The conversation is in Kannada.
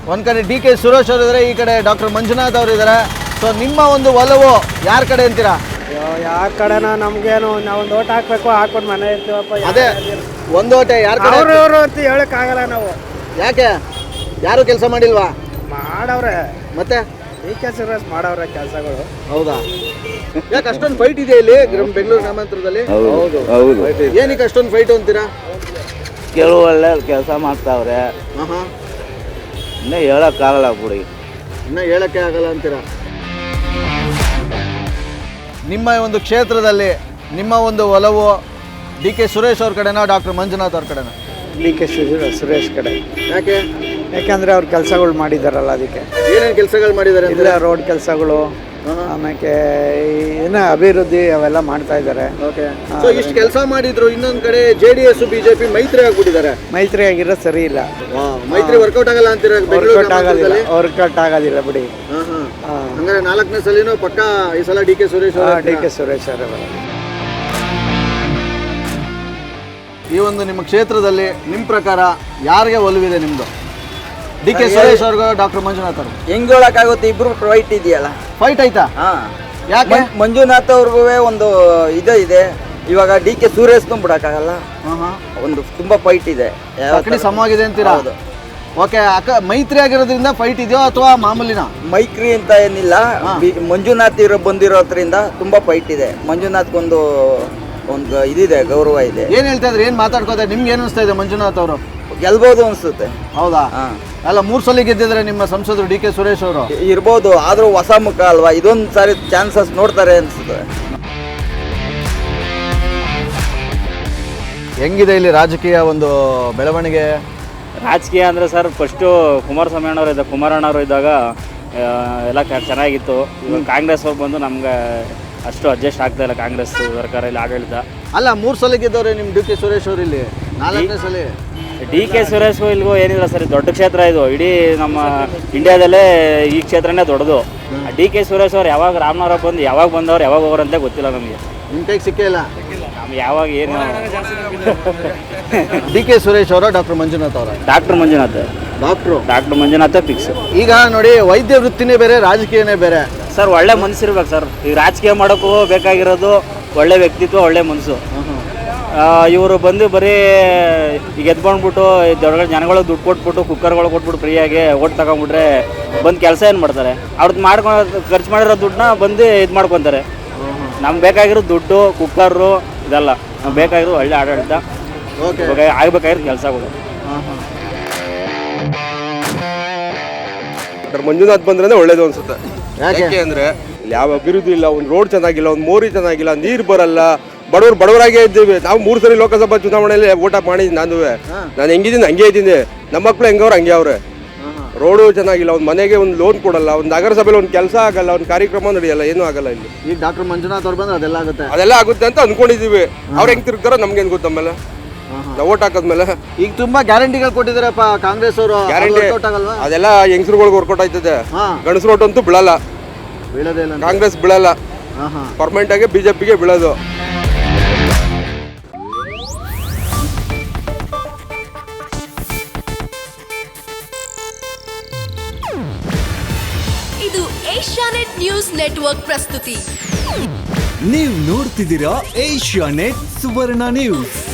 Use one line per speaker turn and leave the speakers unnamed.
ಒಂದು ಕಡೆ ಡಿ ಕೆ ಸುರೇಶ್ ಅವರು ಇದ್ದಾರೆ, ಈ ಕಡೆ ಡಾಕ್ಟರ್ ಮಂಜುನಾಥ್ ಅವರು ಇದ್ದಾರೆ. ಸೊ ನಿಮ್ಮ ಒಂದು ಒಲವು ಯಾರ ಕಡೆ ಅಂತೀರಾ?
ಯಾವ ಕಡೆನ ನಮ್ಗೇನು ನಾವೊಂದು ಓಟ್ ಹಾಕ್ಬೇಕು, ಹಾಕ್ಬಿಟ್ಟು ಮನೆ ಇರ್ತೀವಪ್ಪ.
ಅದೇ ಒಂದು ಓಟೆ ಯಾರ ಕಡೆ?
ಅವ್ರವ್ರು ಅಂತ ಹೇಳಕ್ಕಾಗಲ್ಲ ನಾವು.
ಯಾಕೆ? ಯಾರು ಕೆಲಸ ಮಾಡಿಲ್ವಾ?
ಮಾಡವ್ರೆ,
ಮತ್ತೆ
ಈ ಕೆಲಸ ಮಾಡವ್ರೆ ಕೆಲಸಗಳು.
ಹೌದಾ? ಯಾಕೆ ಅಷ್ಟೊಂದು ಫೈಟ್ ಇದೆ ಇಲ್ಲಿ ಬೆಂಗಳೂರು ಗ್ರಾಮಾಂತರದಲ್ಲಿ?
ಹೌದು.
ಏನಕ್ಕೆ ಅಷ್ಟೊಂದು ಫೈಟ್ ಅಂತೀರಾ?
ಕೆಲವು ಒಳ್ಳೆ ಕೆಲಸ ಮಾಡ್ತಾವ್ರೆ, ಇನ್ನೂ ಹೇಳಕ್ಕಾಗಲ್ಲ ಬಿಡಿ.
ಇನ್ನ ಹೇಳಕ್ಕೆ ಆಗಲ್ಲ ಅಂತೀರಾ? ನಿಮ್ಮ ಒಂದು ಕ್ಷೇತ್ರದಲ್ಲಿ ನಿಮ್ಮ ಒಂದು ಒಲವು ಡಿ ಕೆ ಸುರೇಶ್ ಅವ್ರ ಕಡೆನಾ ಡಾಕ್ಟರ್ ಮಂಜುನಾಥ್ ಅವ್ರ ಕಡೆನಾ?
ಡಿ ಕೆ ಸುರೇಶ್ ಕಡೆ.
ಯಾಕೆ?
ಯಾಕಂದ್ರೆ ಅವ್ರು ಕೆಲಸಗಳು ಮಾಡಿದಾರಲ್ಲ, ಅದಕ್ಕೆ.
ಏನೇನು ಕೆಲಸಗಳು ಮಾಡಿದ್ದಾರೆ?
ಇಲ್ಲ, ರೋಡ್ ಕೆಲಸಗಳು, ಆಮೇಲೆ ಏನೋ ಅಭಿವೃದ್ಧಿ ಅವೆಲ್ಲ ಮಾಡ್ತಾ ಇದ್ದಾರೆ.
ಓಕೆ. ಸೊ ಇಷ್ಟು ಕೆಲಸ ಮಾಡಿದ್ರು, ಇನ್ನೊಂದು ಕಡೆ JDS ಬಿಜೆಪಿ ಮೈತ್ರಿ ಆಗ್ಬಿಟ್ಟಿದ್ದಾರೆ.
ಮೈತ್ರಿ ಆಗಿರೋ ಸರಿ ಇಲ್ಲ.
ಮೈತ್ರಿ ವರ್ಕೌಟ್ ಆಗಲ್ಲ ಅಂತೀರಾ?
ವರ್ಕೌಟ್ ಆಗೋದಿಲ್ಲ ಬಿಡಿ.
ಹಂಗಾರೆ 4ನೇ ಸಲಿನೂ ಪಕ್ಕ ಈ ಸಲ ಡಿ ಕೆ ಸುರೇಶ್
ಅವರ.
ಈ ಒಂದು ನಿಮ್ಮ ಕ್ಷೇತ್ರದಲ್ಲಿ ನಿಮ್ಮ ಪ್ರಕಾರ ಯಾರಿಗೆ ಒಲವಿದೆ ನಿಮ್ದು? ಡಿ ಕೆ ಸುರೇಶ್ ಅವ್ರಿಗೂ ಡಾಕ್ಟರ್ ಮಂಜುನಾಥ್ ಅವ್ರು?
ಹೆಂಗ್ ಹೇಳಕ್ಕಾಗುತ್ತೆ, ಇಬ್ರು ಫೈಟ್ ಇದೆಯಲ್ಲ.
ಫೈಟ್ ಆಯ್ತಾ? ಯಾಕೆ?
ಮಂಜುನಾಥ್ ಅವ್ರಿಗೂ ಒಂದು ಇದೆ. ಇವಾಗ ಡಿ ಕೆ ಸುರೇಶ್ ಬಿಡಕ್ಕಾಗಲ್ಲ, ಒಂದು ತುಂಬಾ ಫೈಟ್ ಇದೆ.
ಸಮವಾಗಿದೆ ಅಂತೀರಾ? ಹೌದು. ಓಕೆ. ಮೈತ್ರಿ ಆಗಿರೋದ್ರಿಂದ ಫೈಟ್ ಇದೆಯೋ ಅಥವಾ ಮಾಮೂಲಿನ?
ಮೈತ್ರಿ ಅಂತ ಏನಿಲ್ಲ, ಮಂಜುನಾಥ್ ಬಂದಿರೋದ್ರಿಂದ ತುಂಬಾ ಫೈಟ್ ಇದೆ. ಮಂಜುನಾಥ್ ಒಂದು ಇದಿದೆ, ಗೌರವ ಇದೆ.
ಏನ್ ಹೇಳ್ತಾ ಇದ್ರೆ, ಏನ್ ಮಾತಾಡ್ಕೋತಾರೆ? ನಿಮ್ಗೆ ಏನ್ ಅನಿಸ್ತಾ ಇದೆ? ಮಂಜುನಾಥ್ ಅವರು
ಗೆಲ್ಬಹುದು ಅನ್ಸುತ್ತೆ.
ಹೌದಾ? ಅಲ್ಲ, 3 ಸಲ ಗೆದ್ದಿದ್ರೆ ನಿಮ್ಮ ಸಂಸದರು ಡಿ ಕೆ ಸುರೇಶ್ ಅವರು.
ಇರ್ಬೋದು, ಆದ್ರೂ ಹೊಸ ಮುಖ ಅಲ್ವಾ, ಇದೊಂದು ಸಾರಿ ಚಾನ್ಸಸ್ ನೋಡ್ತಾರೆ ಅನ್ಸುತ್ತೆ.
ಹೆಂಗಿದೆ ಇಲ್ಲಿ ರಾಜಕೀಯ ಒಂದು ಬೆಳವಣಿಗೆ?
ರಾಜಕೀಯ ಅಂದರೆ ಸರ್, ಫಸ್ಟು ಕುಮಾರಣ್ಣವರು ಇದ್ದಾಗ ಎಲ್ಲ ಚೆನ್ನಾಗಿತ್ತು. ಇವಾಗ ಕಾಂಗ್ರೆಸ್ ಅವ್ರು ಬಂದು ನಮ್ಗೆ ಅಷ್ಟು ಅಡ್ಜಸ್ಟ್ ಆಗ್ತಾ ಇಲ್ಲ. ಕಾಂಗ್ರೆಸ್ ಸರ್ಕಾರ ಇಲ್ಲಿ ಆಡಳಿತ.
ಅಲ್ಲ, 3 ಸಲ ಗೆದ್ದವ್ರೆ ನಿಮ್ಮ ಡಿ ಕೆ ಸುರೇಶ್ ಅವರು. ಇಲ್ಲಿ 4ನೇ ಸಲ
ಡಿ ಕೆ ಸುರೇಶ್ಗೂ ಇಲ್ಗೂ ಏನಿಲ್ಲ ಸರ್, ದೊಡ್ಡ ಕ್ಷೇತ್ರ ಇದು. ಇಡೀ ನಮ್ಮ ಇಂಡಿಯಾದಲ್ಲೇ ಈ ಕ್ಷೇತ್ರನೇ ದೊಡ್ಡದು. ಡಿ ಕೆ ಸುರೇಶ್ ಅವ್ರು ಯಾವಾಗ ರಾಮನವರ ಬಂದು ಯಾವಾಗ ಬಂದವ್ರು ಯಾವಾಗ ಹೋಗ್ರಂತ ಗೊತ್ತಿಲ್ಲ ನಮಗೆ.
ನಿಮ್ಮ ಕೈಗೆ ಸಿಕ್ಕೇ ಇಲ್ಲ
ನಮ್ಗೆ ಯಾವಾಗ ಏನು.
ಡಿ ಕೆ ಸುರೇಶ್ ಅವರ ಡಾಕ್ಟರ್ ಮಂಜುನಾಥ್ ಅವರ?
Doctor Manjunath fix.
ಈಗ ನೋಡಿ, ವೈದ್ಯ ವೃತ್ತಿನೇ ಬೇರೆ, ರಾಜಕೀಯನೇ ಬೇರೆ
ಸರ್. ಒಳ್ಳೆ ಮನಸ್ಸಿರ್ಬೇಕು ಸರ್. ಈಗ ರಾಜಕೀಯ ಮಾಡೋಕ್ಕೂ ಬೇಕಾಗಿರೋದು ಒಳ್ಳೆ ವ್ಯಕ್ತಿತ್ವ, ಒಳ್ಳೆ ಮನಸ್ಸು. ಇವರು ಬಂದು ಬರೀ ಈಗ ಎದ್ಕೊಂಡ್ಬಿಟ್ಟು ದೊಡ್ಡ ಜನಗಳಿಗೆ ದುಡ್ಡು ಕೊಟ್ಬಿಟ್ಟು, ಕುಕ್ಕರ್ಗಳು ಕೊಟ್ಬಿಟ್ಟು ಫ್ರೀಯಾಗಿ ಓಟ್ ತಗೊಂಡ್ಬಿಟ್ರೆ ಬಂದು ಕೆಲಸ ಏನು ಮಾಡ್ತಾರೆ? ಅವ್ರದ್ದು ಖರ್ಚು ಮಾಡಿರೋ ದುಡ್ಡನ್ನ ಬಂದು ಇದು ಮಾಡ್ಕೊತಾರೆ. ನಮ್ಗೆ ಬೇಕಾಗಿರೋ ದುಡ್ಡು, ಕುಕ್ಕರು ಇದೆಲ್ಲ. ನಮ್ಗೆ ಬೇಕಾಗಿರೋ ಒಳ್ಳೆ ಆಡಳಿತ, ಆಗ್ಬೇಕಾಗಿರೋ ಕೆಲಸಗಳು.
ಮಂಜುನಾಥ್ ಬಂದ್ರೆ ಒಳ್ಳೇದು ಅನ್ಸುತ್ತೆ. ಯಾಕೆ ಅಂದ್ರೆ ಇಲ್ಲಿ ಯಾವ ಅಭಿವೃದ್ಧಿ ಇಲ್ಲ, ಒಂದು ರೋಡ್ ಚೆನ್ನಾಗಿಲ್ಲ, ಒಂದು ಮೋರಿ ಚೆನ್ನಾಗಿಲ್ಲ, ನೀರು ಬರಲ್ಲ. ಬಡವರಾಗೇ ಇದ್ದೀವಿ ನಾವು. 3 ಸರಿ ಲೋಕಸಭಾ ಚುನಾವಣೆಯಲ್ಲಿ ಓಟ್ ಮಾಡಿದ್ದೀನಿ. ನಾನು ಹೆಂಗಿದ್ದೀನಿ ಹಂಗೆ ಇದ್ದೀನಿ. ನಮ್ಮ ಮಕ್ಕಳು ಹೆಂಗವ್ರು ಹಂಗೆ ಅವ್ರೆ. ರೋಡು ಚೆನ್ನಾಗಿಲ್ಲ, ಒಂದು ಮನೆಗೆ ಒಂದು ಲೋನ್ ಕೊಡಲ್ಲ, ಒಂದು ನಗರಸಭೆಯಲ್ಲಿ ಒಂದು ಕೆಲಸ ಆಗಲ್ಲ, ಒಂದು ಕಾರ್ಯಕ್ರಮ ನಡೆಯಲ್ಲ, ಏನೂ ಆಗಲ್ಲ ಇಲ್ಲಿ.
ಈಗ ಡಾಕ್ಟರ್ ಮಂಜುನಾಥ್ ಅವ್ರು ಬಂದ್ರೆ
ಅದೆಲ್ಲ ಆಗುತ್ತೆ ಅಂತ ಅನ್ಕೊಂಡಿದೀವಿ. ಅವ್ರು ಹೆಂಗ್ ತಿರುಗ್ತಾರೋ ನಮ್ಗೇನು ಗೊತ್ತ. ಆಮೇಲೆ ನಾವು ಓಟ್ ಹಾಕದ್ಮೇಲೆ
ಈಗ ತುಂಬಾ ಗ್ಯಾರಂಟಿಗಳು ಕೊಟ್ಟಿದ್ದಾರಪ್ಪ ಕಾಂಗ್ರೆಸ್ ಅವರು.
ಗ್ಯಾರಂಟಿ ಅದೆಲ್ಲ ಹೆಂಗಸ್ರುಗಳಿಗೆ ವರ್ಕೌಟ್ ಆಯ್ತದೆ. ಗಂಡಸ್ರು ಓಟ್ ಅಂತೂ ಬೀಳಲ್ಲ, ಕಾಂಗ್ರೆಸ್ ಬೀಳಲ್ಲ. ಪರ್ಮನೆಂಟ್ ಆಗಿ ಬಿಜೆಪಿಗೆ ಬೀಳೋದು.
ಇದು ಏಷ್ಯಾನೆಟ್ ನ್ಯೂಸ್ ನೆಟ್ವರ್ಕ್ ಪ್ರಸ್ತುತಿ.
ನೀವು ನೋಡ್ತಿದ್ದೀರಾ ಏಷ್ಯಾನೆಟ್ ಸುವರ್ಣ ನ್ಯೂಸ್.